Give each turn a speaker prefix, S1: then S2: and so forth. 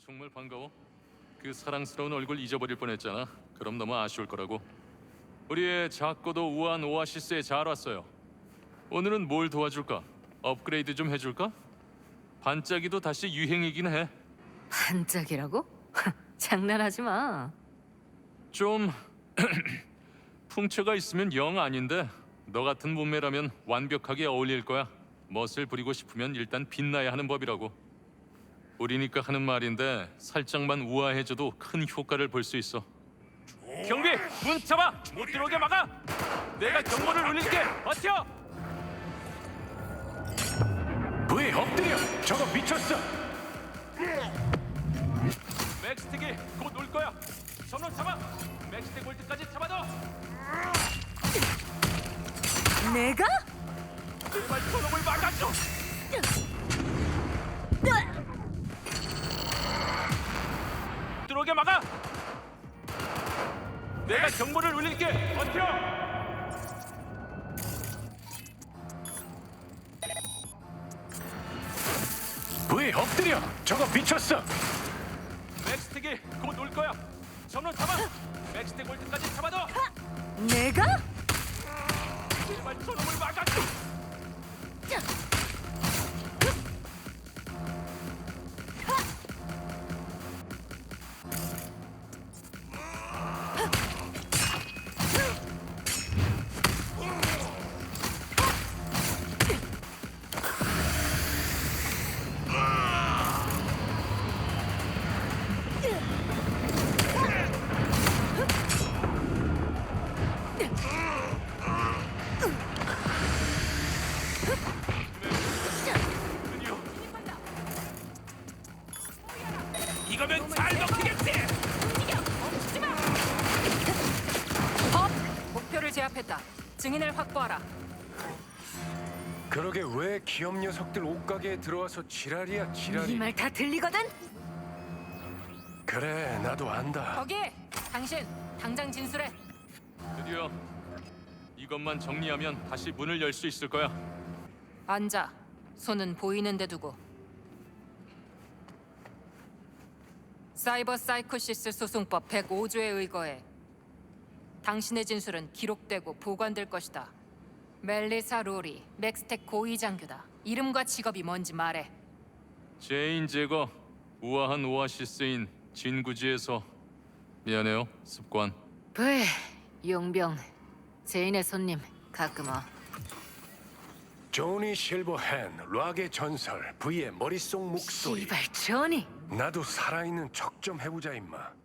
S1: 정말 반가워. 그 사랑스러운 얼굴 잊어버릴 뻔했잖아. 그럼 너무 아쉬울 거라고. 우리의 작고도 우아한 오아시스에 잘 왔어요. 오늘은 뭘 도와줄까? 업그레이드 좀 해줄까? 반짝이도 다시 유행이긴 해.
S2: 반짝이라고? 장난하지 마.
S1: 좀 풍채가 있으면 영 아닌데 너 같은 몸매라면 완벽하게 어울릴 거야. 멋을 부리고 싶으면 일단 빛나야 하는 법이라고. 우리니까 하는 말인데 살짝만 우아해져도 큰 효과를 볼 수 있어. 경비! 문 잡아! 못 들어오게 막아! 내가 경보를 울릴게! 버텨!
S3: 왜 엎드려? 저거 미쳤어!
S1: 맥스틱이 곧 올 거야! 선로 잡아! 맥스틱 올 때까지 잡아둬!
S2: 내가?
S1: 제발 저놈을 막아줘! 들어오게 막아! 내가 경보를 울릴게! 버텨!
S3: 왜 엎드려? 저거 미쳤어!
S1: 맥스틱이 곧 올 거야! 선로 잡아! 맥스틱 올 때까지 잡아둬!
S2: 내가?
S1: 제발 저놈을 막아줘! 이거면 잘 먹히겠지!
S2: 목표를 제압했다. 증인을 확보하라.
S3: 그러게 왜 기업 녀석들 옷가게에 들어와서 지랄이야 지랄이.
S2: 이 말 다 들리거든?
S3: 그래 나도 안다.
S2: 거기! 당신 당장 진술해.
S1: 드디어 이것만 정리하면 다시 문을 열 수 있을 거야.
S2: 앉아. 손은 보이는 데 두고. 사이버 사이코시스 소송법 105조에 의거해 당신의 진술은 기록되고 보관될 것이다. 멜리사 로리, 맥스텍 고위 장교다. 이름과 직업이 뭔지 말해.
S1: 제인 제거 우아한 오아시스인 진구지에서 미안해요 습관.
S2: 브이, 용병. 제인의 손님, 가끔 와.
S3: 조니 실버핸, 락의 전설, V의 머릿속 목소리.
S2: 이발 조니.
S3: 나도 살아있는 척 좀 해보자 임마.